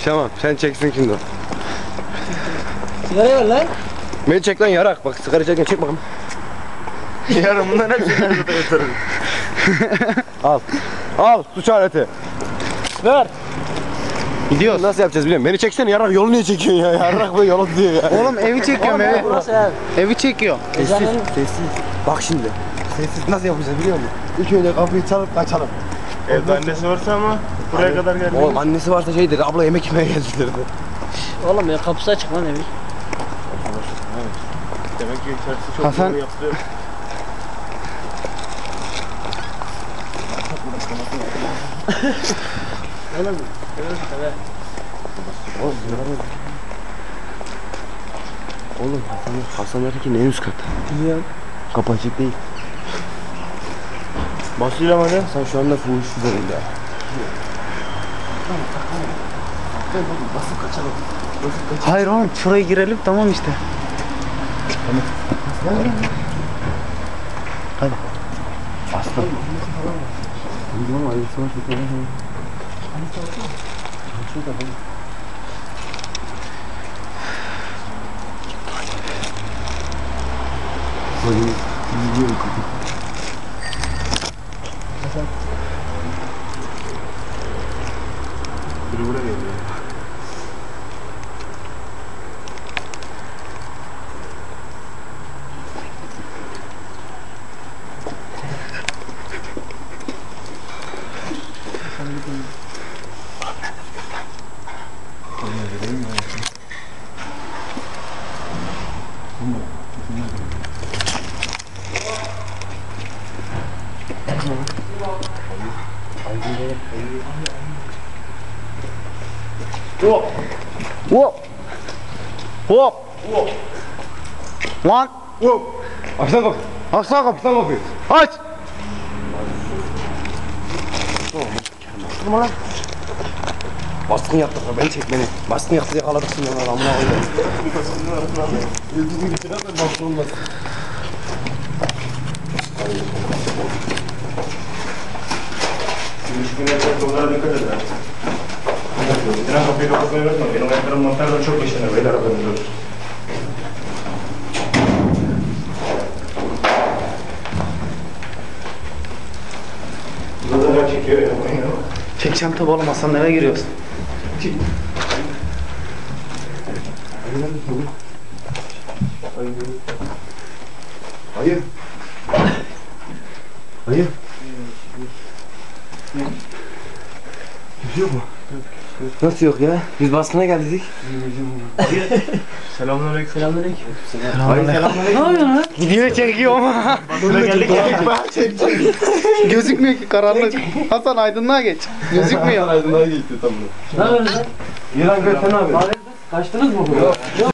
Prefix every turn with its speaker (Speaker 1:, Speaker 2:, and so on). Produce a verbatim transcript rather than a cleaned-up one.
Speaker 1: Tamam sen çeksin şimdi.
Speaker 2: Sigara ver lan.
Speaker 1: Beni çek lan yarak. Bak sigara çekken çek bakalım.
Speaker 3: Yarın bundan hepsini yatarım.
Speaker 1: Al. Al suç aleti.
Speaker 2: Ver.
Speaker 1: Gidiyoruz. Nasıl yapacağız biliyorum. Beni çeksene yarak, yolu niye çekiyorsun ya? Yarak böyle yolu diyor ya.
Speaker 3: Oğlum evi çekiyorum evi.
Speaker 2: Burası ev.
Speaker 3: Evi çekiyor.
Speaker 1: Sessiz, sessiz. Bak şimdi. Sessiz nasıl yapacağız biliyor musun? İlk önce kapıyı çalıp kaçalım.
Speaker 3: Evde annesi varsa ama buraya kadar geldi.
Speaker 1: Oğlum annesi varsa şey dedi, abla yemek yemeye geldi dedi.
Speaker 2: Oğlum ya kapısı açık lan evi.
Speaker 3: Demek ki içerisi çok
Speaker 1: Hasan-
Speaker 3: zor yaptı.
Speaker 2: Oğlum. Evet.
Speaker 1: Oğlum bunlar Oğlum Hasan, Hasan'daki en üst kat.
Speaker 2: Biliyorum.
Speaker 1: Kapı açık değil.
Speaker 3: Basıyla hadi.
Speaker 1: Sen şu anda fuhuş üzerinde. Basıp kaçalım. Basıp kaçalım.
Speaker 3: Hayır oğlum şuraya girelim tamam işte.
Speaker 1: Hadi. Aslan. Bilmiyorum ailesi var. Çalışıyor da bana. Böyle gidiyor kapı.
Speaker 3: Biri buraya geliyor.
Speaker 1: Hop.
Speaker 3: Hop. Hop. Lan.
Speaker 1: Hop. Aç lan kapıyı.
Speaker 3: Aç lan kapıyı.
Speaker 1: Aç lan kapıyı.
Speaker 3: Aç.
Speaker 1: Durma lan. Baskın yaptık lan, beni çek beni. Baskın yaptı yakaladık şimdi lan, amına koyayım. Yıldızın içine de baskın olmaz.
Speaker 3: Günlerde dolara dikkat edin. Tren kapıyı kapatmayı unutma. Benim ayaklarım mantardan çok işlenir. Beyler haberiniz olsun. Burada da çekiyor ya. Çekeceğim tabi oğlum. Hasan eve giriyoruz.
Speaker 1: Hayır. Hayır. Kimse yok mu? Nasıl yok ya? Biz baskına geldik.
Speaker 3: Selamünaleyküm.
Speaker 2: Selamünaleyküm.
Speaker 1: Hayır selamünaleyküm.
Speaker 2: Ne yapıyorsun lan?
Speaker 3: Gidiyor çekiyor ama.
Speaker 1: Burada geldik ya.
Speaker 3: Gözükmüyor ki karanlık. Hasan aydınlığa geç. Gözükmüyor.
Speaker 1: Aydınlığa gitti tam.
Speaker 2: Ne yapıyorsun lan?
Speaker 1: İran götürün abi.
Speaker 2: Kaçtınız mı buraya? Yok.